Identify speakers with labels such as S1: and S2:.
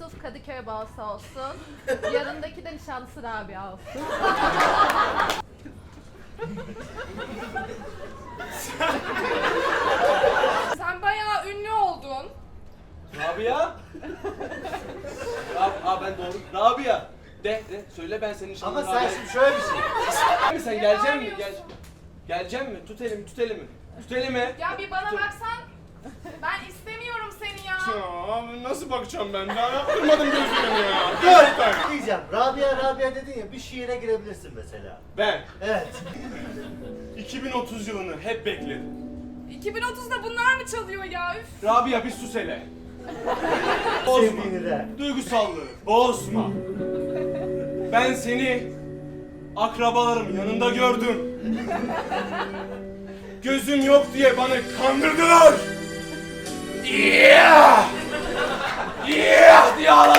S1: Yusuf Kadıköy balsı olsun. Yanındaki de nişanlısı Rabia olsun.
S2: Sen bayağı ünlü oldun.
S3: Rabia? Ben doğru. Rabia. De söyle ben senin
S4: Ama
S3: nişanlın
S4: sen şimdi şöyle bir şey.
S3: Sen gelecek mi? Gelecek mi? Tut elimi, tut elimi. Tut elimi.
S2: Ya bir bana baksan. Ben istemiyorum seni ya.
S5: Ya nasıl bakacağım ben? Daha yaptırmadım gözlerimi ya.
S4: Dur diyeceğim. Rabia dedin ya, bir şiire girebilirsin mesela.
S3: Ben
S4: Evet.
S5: 2030 yılını hep bekledim.
S2: 2030'da bunlar mı çalıyor ya? Üf.
S3: Rabia bir sus hele. Bozma.
S4: Sevdiğini de.
S3: Duygusallığı bozma. Ben seni akrabalarım yanında gördüm. Gözüm yok diye bana kandırdılar. Yeah! Yeah! Diye ağladım.